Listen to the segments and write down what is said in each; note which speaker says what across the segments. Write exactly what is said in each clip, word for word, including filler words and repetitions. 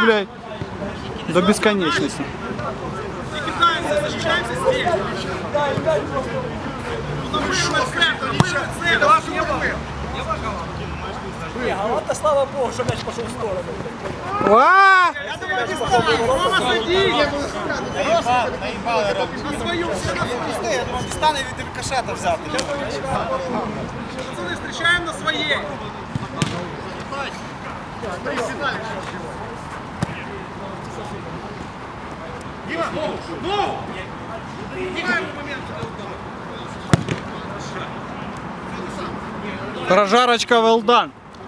Speaker 1: блядь, до бесконечности.
Speaker 2: Не кидаемся, защищаемся здесь. Вырвать центр, вырвать центр.
Speaker 3: Не, Галата, слава Богу, что мяч пошел в сторону.
Speaker 1: А!
Speaker 2: Я думаю, не ставим. Рома, сади. На свою, все на свою.
Speaker 3: Я думаю, дістане від рикошета взяти.
Speaker 2: Пацаны, встречаем на своей. Дима, ну, ну! Играем в момент.
Speaker 1: Прожарочка well done.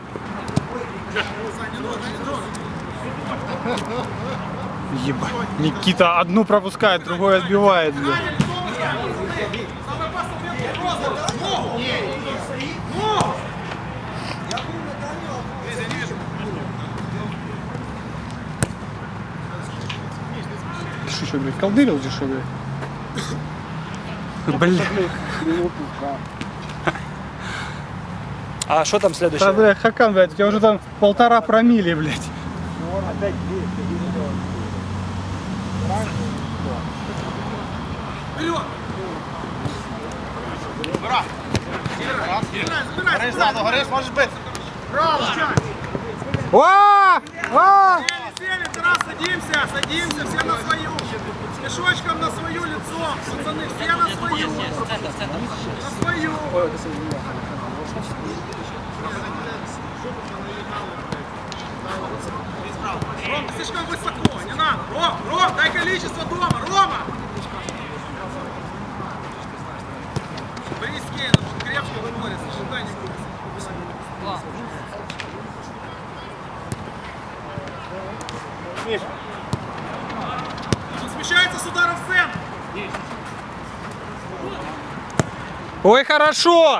Speaker 1: Еба. Никита одну пропускает, другой отбивает, блядь.
Speaker 2: Самый опасный момент просто. Ну! Ну!
Speaker 1: Ты что, что, блядь, колдырил здесь, что, блядь? Блядь.
Speaker 3: А что там
Speaker 1: Да,
Speaker 3: следующее?
Speaker 1: блядь, Хакан, блядь, у тебя уже там полтора промили, блядь.
Speaker 2: Вперед! Забирай! Забирай!
Speaker 3: Ззаду, гориш, можеш бити.
Speaker 1: О! О!
Speaker 2: Сели, сели, Тарас, садимся, садимся, все на свою. Мешочком на свою лицо, пацаны, все на свою. На свою. Ром, ты слишком высоко, не надо. Ром, Ром, дай количество дома, Рома. Борис Кейн, крепко борется, ожидай не будет. Он смещается с удара в центр.
Speaker 1: Ой, хорошо!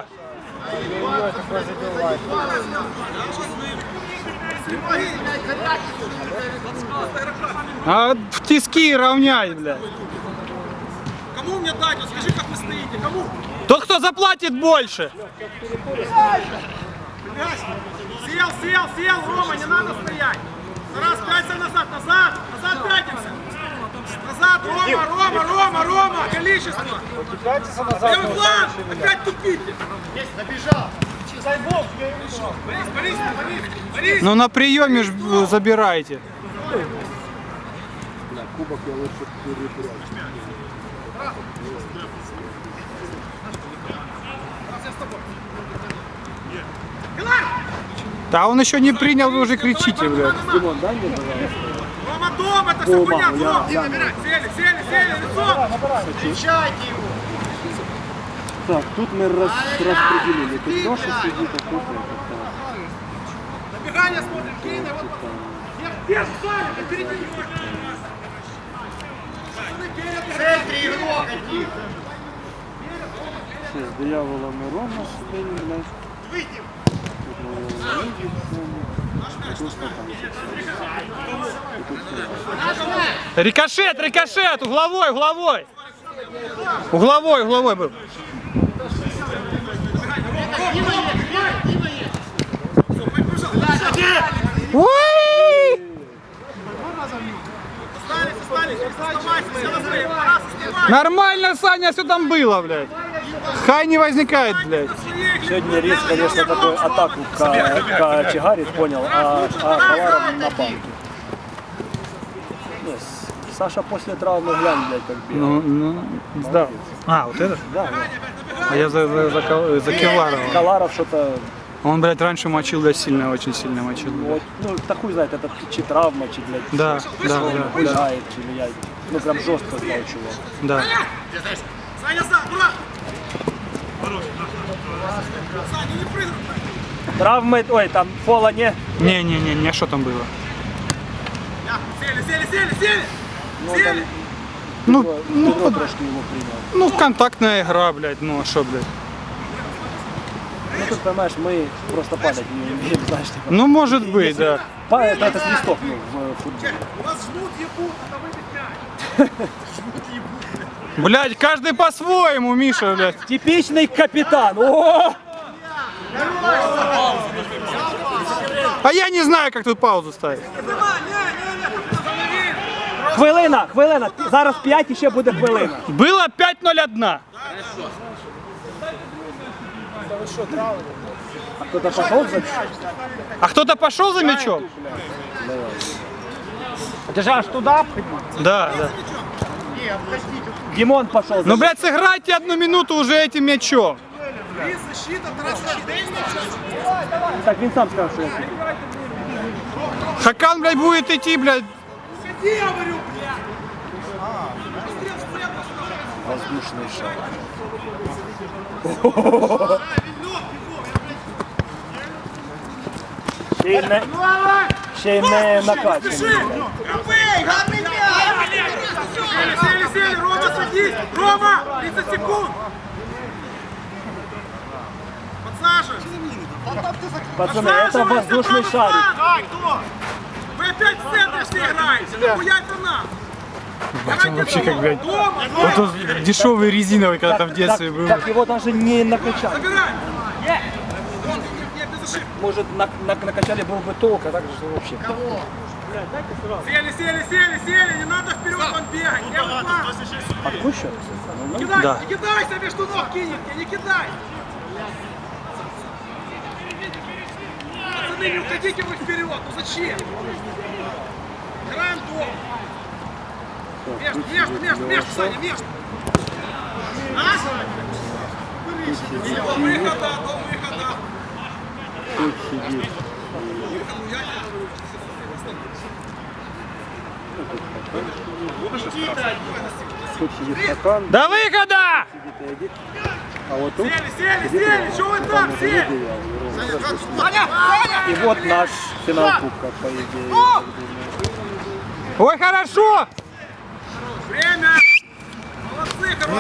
Speaker 1: А в тиски равняй, блядь.
Speaker 2: Кому мне дать? Вот скажи, как вы стоите. Кому?
Speaker 1: Тот, кто заплатит больше.
Speaker 2: Сел, сел, сел, Рома, не надо стоять. Раз, пятимся назад, назад, назад пятимся. Назад, Рома, Рома, Рома, Рома, количество. Левый фланг, опять тупите. Есть, набежал. Дай бог, Борис, Борис, Борис, Борис.
Speaker 1: Ну на приеме ж забирайте.
Speaker 4: Кубок я лучше перепрячу.
Speaker 1: Да он еще не принял, вы уже кричите, блядь.
Speaker 4: Димон, дай мне, пожалуйста.
Speaker 2: Рома, дом, это все хуйня,
Speaker 4: я-
Speaker 2: дом.
Speaker 4: я-
Speaker 2: Сели, сели, сели, лицо. Встречайте его.
Speaker 4: Так, тут мы рас, распределили. Тут Леша сидит, а тут это.
Speaker 2: Набегание смотрим, Кейна, вот. Держи, Саня, впереди него. В центре игрок один.
Speaker 4: Все, с дьяволом и Рома стоим, блядь.
Speaker 2: Выйдем.
Speaker 4: Тут мы его видим, а тут что там? И тут все.
Speaker 1: Рикошет, рикошет, угловой, угловой. Угловой, угловой был. Ой!
Speaker 2: Остались, остались, оставайся, все на своей. Тарас, оставайся.
Speaker 1: Нормально, Саня, все там было, блядь. Хай не возникает, блядь.
Speaker 4: Сегодня Рис, конечно, такую атаку к Чигарит понял, а, а Халаров на банке. Нет, Саша после травмы глянь, блядь, как бегал.
Speaker 1: Ну, ну, сдал. А, вот это?
Speaker 4: Да, да.
Speaker 1: А я за, за, за, Кал- за Кевларова.
Speaker 4: Халаров что-то,
Speaker 1: Он, блядь, раньше мочил, да, сильно, очень сильно мочил. блядь.
Speaker 4: вот, ну, да хуй знает, это чи травма, чи, блядь,
Speaker 1: Да, да, да, да,
Speaker 4: влияет, чи влияет. Ну, прям жестко стал чувак.
Speaker 1: да.
Speaker 2: Саня, сам, брат. Саня, не прыгай.
Speaker 4: Травмы, ой, там фола не.
Speaker 1: Не-не-не, что там было?
Speaker 2: Я, Сели, сели, сели, сели.
Speaker 4: Ну,
Speaker 2: Сели.
Speaker 4: там,
Speaker 1: Ну,
Speaker 4: Петро
Speaker 1: ну,
Speaker 4: трошки его принял.
Speaker 1: ну, контактная игра, блядь, ну, а что, блядь?
Speaker 4: Ну, тут, понимаешь, мы просто падать не умеем, знаешь, типа.
Speaker 1: Ну, может быть, да.
Speaker 4: Па- это, это свисток, ну, в футболе.
Speaker 2: У вас жмут ебут, надо выбить мяч.
Speaker 1: Блядь, каждый по-своему, Миша, блядь.
Speaker 4: Типичный капитан. О!
Speaker 1: А я не знаю, как тут паузу ставить.
Speaker 2: Не, не, не,
Speaker 3: Хвилина, хвилина. Зараз п'ять і ще буде хвилина.
Speaker 1: Было пять ноль один.
Speaker 3: А хто-то пішов за...
Speaker 1: А кто-то пошел за мячом?
Speaker 3: Ти ж аж туди?
Speaker 1: Да, да.
Speaker 3: Дімон пішов за...
Speaker 1: Ну, блядь, сыграйте одну минуту уже этим мячом.
Speaker 2: Защита, Тарас,
Speaker 3: Так, він сам сказав, що я...
Speaker 1: Хакан, блядь, будет идти, блядь.
Speaker 2: Иди, я говорю, блядь.
Speaker 4: Воздушный шар.
Speaker 3: Ще й не, ще й не накачаний.
Speaker 2: Сели, сели, сели, Рома, садись! Рома, тридцать секунд! Подсаживай!
Speaker 3: Пацаны, это воздушный шарик.
Speaker 2: Вы опять в центре все играете! Хуять на нам!
Speaker 1: Бать, он вообще как, блядь,
Speaker 2: Дома,
Speaker 1: вот он дешевый резиновый, когда там в детстве был.
Speaker 3: Так его даже не накачали.
Speaker 2: забирай! Нет, без ошибки!
Speaker 3: Может, на, на, накачали был бы толк, а так же вообще.
Speaker 2: Сели, сели, сели, сели! Не надо вперед он бегать! Левый фланг!
Speaker 3: Откушай?
Speaker 2: Не кидай,
Speaker 1: Да.
Speaker 2: не кидайся, между ног кинет, не кидай! Пацаны, не уходите вы вперед, ну зачем? Играем дома. Между, между, между, между, Саня, между. А? До выхода, до выхода.
Speaker 4: Тут сидит. Тут сидит Хакан,
Speaker 1: До выхода!
Speaker 4: сидит Эдик. А вот тут
Speaker 2: Сели, сели, сели, что вы там, сели? Саня, Саня!
Speaker 3: И вот наш
Speaker 4: финал кубка, по идее.
Speaker 1: Ой, хорошо!
Speaker 2: Время!